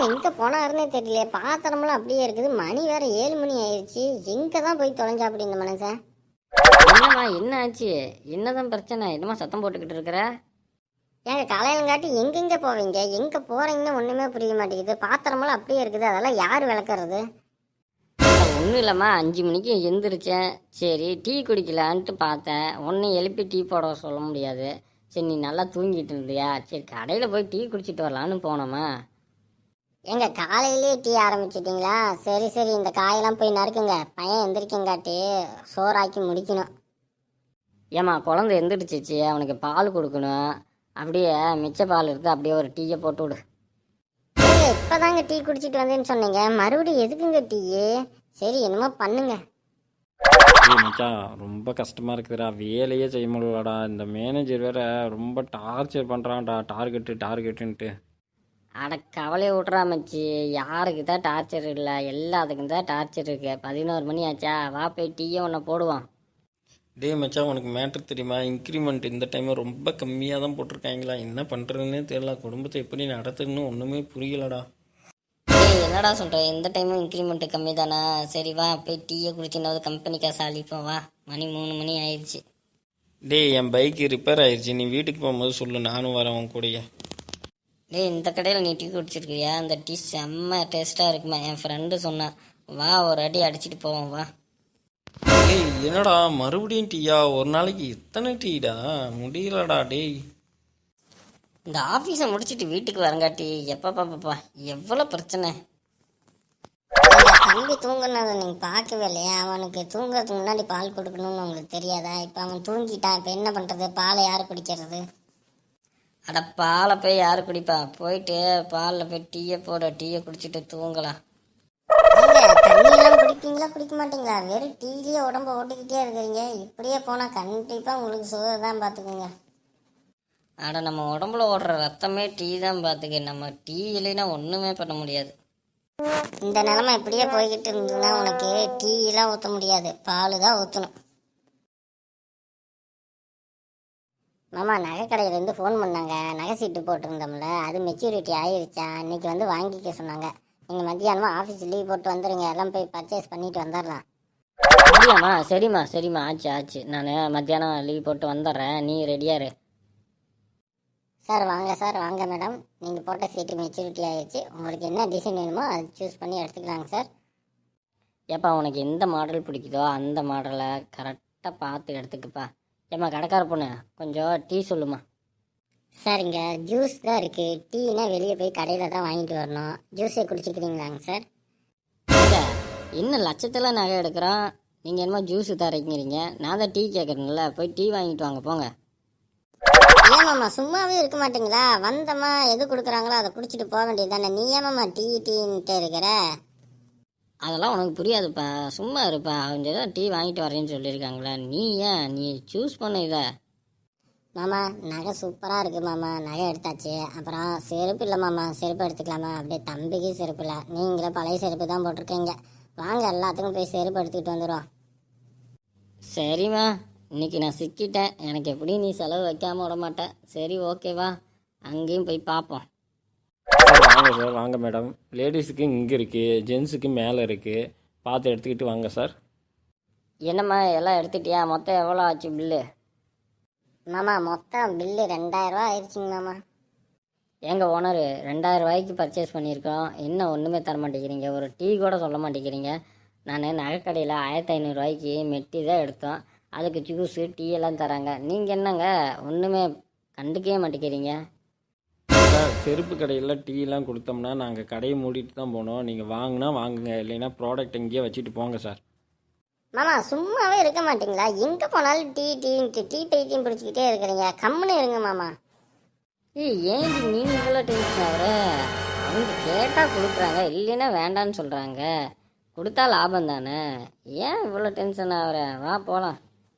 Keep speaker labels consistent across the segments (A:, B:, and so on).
A: எங்கே போனாருன்னே தெரியல. பாத்திரமெல்லாம் அப்படியே இருக்குது. மணி வேற 7 மணி ஆயிடுச்சு. எங்கே தான் போய் தொலைஞ்சா அப்படி இந்த மனுஷன்?
B: என்னம்மா என்ன ஆச்சு? என்னதான் பிரச்சனை? என்னம்மா சத்தம் போட்டுக்கிட்டு இருக்கிற?
A: ஏங்க காலையிலங்காட்டி எங்கெங்கே போவீங்க? எங்கே போகிறீங்கன்னு ஒன்றுமே புரிய மாட்டேங்குது. பாத்திரமெல்லாம் அப்படியே இருக்குது. அதெல்லாம் யார் விளக்குறது?
B: ஒன்றும் இல்லைம்மா, 5 மணிக்கு எந்திரிச்சேன். சரி டீ குடிக்கலான்ட்டு பார்த்தேன். ஒன்றும் எழுப்பி டீ போட சொல்ல முடியாது. சரி நீ நல்லா தூங்கிட்டு இருந்தியா? சரி கடையில் போய் டீ குடிச்சிட்டு வரலான்னு போனோம்மா.
A: எங்க காலையிலேயே டீ ஆரம்பிச்சிட்டிங்களா? சரி சரி, இந்த காயெல்லாம் போய் நறுக்குங்க. பையன் எந்திரிக்கங்காட்டி சோறாக்கி முடிக்கணும்.
B: ஏம்மா குழந்தை எந்திரிச்சிச்சு, அவனுக்கு பால் கொடுக்கணும். அப்படியே மிச்ச பால் இருக்குது, அப்படியே ஒரு டீயை போட்டு விடு.
A: இப்போதாங்க டீ குடிச்சிட்டு வந்தேன்னு சொன்னீங்க, மறுபடியும் எதுக்குங்க டீ? சரி என்னமோ பண்ணுங்க.
C: மச்சான் ரொம்ப கஷ்டமாக இருக்குதுடா, வேலையே செய்ய முடியலடா. இந்த மேனேஜர் வேற ரொம்ப டார்ச்சர் பண்ணுறான்டா, டார்கெட்டுன்ட்டு.
B: அட கவலையை விட்றா மச்சி, யாருக்கு தான் டார்ச்சர் இல்லை, எல்லாத்துக்கும் தான் டார்ச்சர் இருக்கு. 11 மணி ஆச்சா, வா போய் டீயை ஒன்று போடுவான்.
C: டே மச்சான், உனக்கு மேட்ரு தெரியுமா? இன்க்ரிமெண்ட் இந்த டைம் ரொம்ப கம்மியாக தான் போட்டிருக்காங்களா. என்ன பண்ணுறதுன்னே தெரியல. குடும்பத்தை எப்படி நடத்துன்னு ஒன்றுமே புரியலடா.
B: என்னடா சொல்கிறேன், இந்த டைமும் இன்க்ரிமெண்ட் கம்மி தானே? சரி வா போய் டீயை குடிச்சுனாவது கம்பெனி காசு அழிப்போம். வா, மணி 3 மணி ஆயிடுச்சு.
C: டே என் பைக்கு ரிப்பேர் ஆயிடுச்சு, நீ வீட்டுக்கு போகும்போது சொல்லு, நானும் வரேன் உன் கூடயே.
B: டேய் இந்த கடையில் நீ டீ குடிச்சிருக்கியா? அந்த டீ செம்ம டேஸ்ட்டாக இருக்குமா, என் ஃப்ரெண்டு சொன்னான். வா ஒரு அடி அடிச்சுட்டு போவோம் வா.
C: டேய் என்னடா மறுபடியும் டீயா? ஒரு நாளைக்கு எத்தனை டீடா? முடியலடா டேய்.
B: இந்த ஆஃபீஸை முடிச்சுட்டு வீட்டுக்கு வரங்காட்டி எப்பப்பா எவ்வளோ பிரச்சனை.
A: தம்பி தூங்குனதை நீங்கள் பார்க்கவே இல்லையா? அவனுக்கு தூங்குறதுக்கு முன்னாடி பால் கொடுக்கணும்னு உங்களுக்கு தெரியாதா? இப்போ அவன் தூங்கிட்டான், இப்போ என்ன பண்ணுறது? பாலை யார் குடிக்கிறது?
B: அட பாலை போய் யார் குடிப்பா? போயிட்டு பாலில் போய் டீயை போட, டீயை குடிச்சிட்டு தூங்கலாம்.
A: தண்ணியெல்லாம் குடிப்பீங்களா குடிக்க மாட்டீங்களா? வெறும் டீலேயே உடம்ப ஓட்டிக்கிட்டே இருக்கிறீங்க. இப்படியே போனால் கண்டிப்பாக உங்களுக்கு சுகர் தான், பார்த்துக்குங்க.
B: அட நம்ம உடம்புல ஓடுற ரத்தமே டீ தான் பார்த்துக்க. நம்ம டீ இல்லைன்னா ஒன்றுமே பண்ண முடியாது.
A: இந்த நிலமை இப்படியே போய்கிட்டு இருந்ததுன்னா உனக்கு டீயெல்லாம் ஊற்ற முடியாது, பால் தான் ஊற்றணும். மாமா, நகை கடையிலேருந்து ஃபோன் பண்ணாங்க. நகை சீட்டு போட்டிருந்தோம்ல, அது மெச்சூரிட்டி ஆயிடுச்சா. இன்னைக்கு வந்து வாங்கிக்க சொன்னாங்க. நீங்கள் மத்தியானமாக ஆஃபீஸ் லீவ் போட்டு வந்துடுங்க, எல்லாம் போய் பர்ச்சேஸ் பண்ணிட்டு வந்துடலாம்.
B: அப்படியாம்மா? சரிம்மா ஆச்சு. நான் மத்தியானம் லீவ் போட்டு வந்துடுறேன், நீ ரெடியாக இரு.
A: சார் வாங்க, சார் வாங்க மேடம். நீங்கள் போட்ட சீட்டு மெச்சூரிட்டி ஆயிடுச்சு. உங்களுக்கு என்ன டிசைன் வேணுமோ அதை சூஸ் பண்ணி எடுத்துக்கலாங்க சார்.
B: ஏப்பா உனக்கு எந்த மாடல் பிடிக்குதோ அந்த மாடலை கரெக்டாக பார்த்து எடுத்துக்குப்பா. ஏம்மா கடைக்கார பொண்ணு, கொஞ்சம் டீ சொல்லுமா.
A: சார் இங்கே ஜூஸ் தான் இருக்குது. டீனா வெளியே போய் கடையில் தான் வாங்கிட்டு வரணும். ஜூஸே குடிச்சிக்கிறீங்களாங்க சார்?
B: இல்லை, இன்னும் லட்சத்தில் நகை எடுக்கிறோம், நீங்கள் என்னமோ ஜூஸு தரீங்கிறீங்க. நான் தான் டீ கேட்குறேன்ல, போய் டீ வாங்கிட்டு வாங்க போங்க.
A: ஏமாம்மா சும்மாவே இருக்க மாட்டீங்களா? வந்தம்மா எது கொடுக்குறாங்களோ அதை குடிச்சிட்டு போக வேண்டியது தானே. நீ ஏமாம்மா டீன்ட்டு இருக்கிற?
B: அதெல்லாம் உனக்கு புரியாதுப்பா, சும்மா இருப்பா. அவங்க தான் டீ வாங்கிட்டு வரேன்னு சொல்லியிருக்காங்களா, நீ ஏன் நீ சூஸ் பண்ண இதை.
A: மாமா நகை சூப்பராக இருக்குது மாமா. நகை எடுத்தாச்சு. அப்புறம் செருப்பு இல்லை மாமா, செருப்பு எடுத்துக்கலாமா? அப்படியே தம்பிக்கு செருப்பு இல்லை, நீங்களே பழைய செருப்பு தான் போட்டிருக்கீங்க. வாங்க எல்லாத்துக்கும் போய் செருப்பு எடுத்துக்கிட்டு வந்துடுவோம்.
B: சரிம்மா, இன்னைக்கு நான் சிக்கிட்டேன். எனக்கு எப்படி நீ செலவு வைக்காமல் விட மாட்டேன். சரி ஓகேவா, அங்கேயும் போய் பார்ப்போம்.
C: வாங்க சார், வாங்க மேடம். லேடிஸுக்கு இங்கே இருக்குது, ஜென்ஸுக்கு மேலே இருக்குது. பார்த்து எடுத்துக்கிட்டு வாங்க சார்.
B: என்னம்மா எல்லாம் எடுத்துட்டியா? மொத்தம் எவ்வளோ ஆச்சு பில்லு?
A: மாமா மொத்தம் பில்லு 2000 ரூபா ஆயிடுச்சுங்க மாமா.
B: எங்கள் ஓனர் 2000 ரூபாய்க்கு பர்ச்சேஸ் பண்ணியிருக்கோம், இன்னும் ஒன்றுமே தர மாட்டேங்கிறீங்க, ஒரு டீ கூட சொல்ல மாட்டேங்கிறீங்க. நான் நகைக்கடையில் 1500 ரூபாய்க்கு மெட்டி தான் எடுத்தோம், அதுக்கு ஜூஸு டீ எல்லாம் தராங்க. நீங்கள் என்னங்க ஒன்றுமே கண்டுக்கவே மாட்டேங்கிறீங்க?
C: சார் செருப்பு கடையில் டீலாம் கொடுத்தோம்னா நாங்கள் கடையை மூடிட்டு தான் போனோம். நீங்கள் வாங்கினா வாங்குங்க, இல்லைன்னா ப்ராடக்ட் எங்கேயே வச்சுட்டு போங்க சார்.
A: மாமா சும்மாவே இருக்க மாட்டீங்களா? எங்கே போனாலும் டீ பைத்தியம் பிடிச்சிக்கிட்டே இருக்கிறீங்க. கம்முன்னு இருங்க மாமா.
B: ஏன் நீங்கள் இவ்வளோ டென்ஷன் ஆகிற? அவங்க கேட்டால் கொடுக்குறாங்க, இல்லைன்னா வேண்டான்னு சொல்கிறாங்க. கொடுத்தா லாபம் தானே, ஏன் இவ்வளோ டென்ஷன் ஆகிற? வா போகலாம்.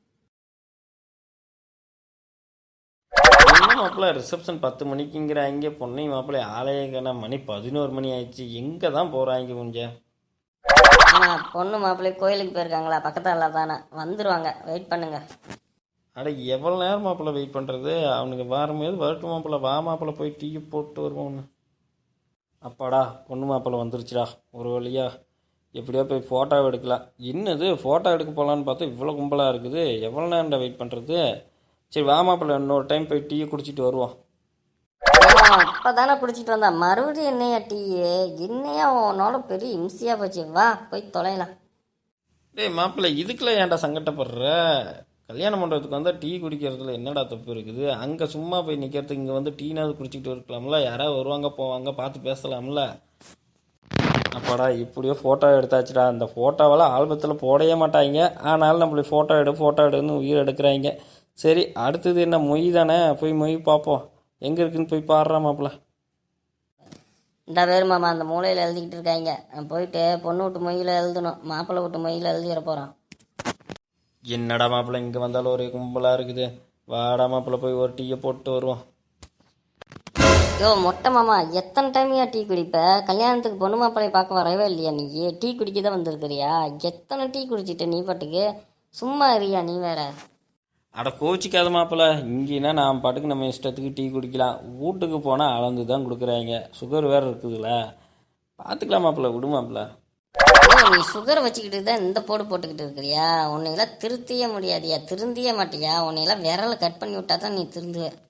C: என்ன மாப்பிள்ள ரிசப்ஷன் 10 மணிக்குங்கிறாங்க, பொண்ணை மாப்பிள்ளை ஆலயக்கான மணி 11 மணி ஆயிடுச்சு. எங்கே தான் போகிறாங்க கொஞ்சம்?
B: ஆனால் பொண்ணு மாப்பிள்ளை கோயிலுக்கு போயிருக்காங்களா, பக்கத்தில் தானே, வந்துடுவாங்க, வெயிட் பண்ணுங்க.
C: அட எவ்வளோ நேரம் மாப்பிள்ளை வெயிட் பண்ணுறது? அவனுக்கு வரும்போது வரட்டும் மாப்பிள்ளை. வா மாப்பிள்ளை, போய் டீ போட்டு வருவோம். அப்பாடா பொண்ணு மாப்பிள்ளை வந்துருச்சுடா ஒரு வழியா. எப்படியோ போய் ஃபோட்டோ எடுக்கலாம். என்னது ஃபோட்டோ எடுக்க போகலான்னு பார்த்தா இவ்வளோ கும்பலாக இருக்குது. எவ்வளோ நேரம்டா வெயிட் பண்ணுறது? சரி வா மாப்பிள்ளை, இன்னொரு டைம் போய் டீயை குடிச்சிட்டு வருவோம்.
B: இப்போ தானே குடிச்சிட்டு வந்தா மறுபடியும் என்னையா டீ? என்னையா உன்னோட பெரிய இம்சையாக போச்சு. வா போய் தொலைலாம்.
C: டேய் மாப்பிள்ளை, இதுக்கெல்லாம் ஏன்டா சங்கடப்படுற? கல்யாணம் பண்ணுறதுக்கு வந்தால் டீ குடிக்கிறதுல என்னடா தப்பு இருக்குது? அங்கே சும்மா போய் நிற்கிறதுக்கு இங்கே வந்து டீனாவது குடிச்சிக்கிட்டு இருக்கலாம்ல. யாராவது வருவாங்க போவாங்க, பார்த்து பேசலாம்ல. அப்பாடா இப்படியோ ஃபோட்டோ எடுத்தாச்சுடா. அந்த ஃபோட்டோவெல்லாம் ஆல்பத்தில் போடவே மாட்டாங்க. ஆனாலும் நம்மளுக்கு ஃபோட்டோ எடுன்னு உயிர் எடுக்கிறாங்க. சரி அடுத்தது என்ன, மொய் தானே. போய் மொய் பார்ப்போம். எங்கே இருக்குன்னு போய் பாடுறா மாப்பிள்ள.
B: இந்த பேர் மாமா அந்த மூலையில் எழுதிக்கிட்டு இருக்காங்க. போயிட்டு பொண்ணு விட்டு மொய்யில் எழுதணும், மாப்பிள்ளை விட்டு மொய்யில் எழுதிட போகிறான்.
C: என்னடா மாப்பிள்ள இங்கே வந்தாலும் ஒரே கும்பலாக இருக்குது. வாடா மாப்பிள்ள போய் ஒரு டீயை போட்டு வருவோம்.
B: யோ மொட்டை மாமா, எத்தனை டைமையா டீ குடிப்ப? கல்யாணத்துக்கு பொண்ணு மாப்பிள்ளையை பார்க்க வரவே இல்லையா நீ? டீ குடிக்க தான் வந்திருக்கிறியா? எத்தனை டீ குடிச்சிட்ட நீ பாட்டுக்கு? சும்மா இருக்கியா நீ வேற?
C: அட கோச்சிக்காத மாப்பிள்ள, இங்கேனா நான் பாட்டுக்கு நம்ம இஷ்டத்துக்கு டீ குடிக்கலாம். வீட்டுக்கு போனால் அளந்து தான் கொடுக்குறாங்க. சுகர் வேறு இருக்குதுல்ல. பார்த்துக்கலாம் மாப்பிள்ள, விடு மாப்பிள்ள.
B: நீ சுகர் வச்சுக்கிட்டு தான் இந்த போடு போட்டுக்கிட்டு இருக்கிறியா? உன்னையெல்லாம் திருத்தியே முடியாதியா, திருந்தியே மாட்டியா? உன்னையெல்லாம் விரலை கட் பண்ணி விட்டா தான் நீ திருந்துவ.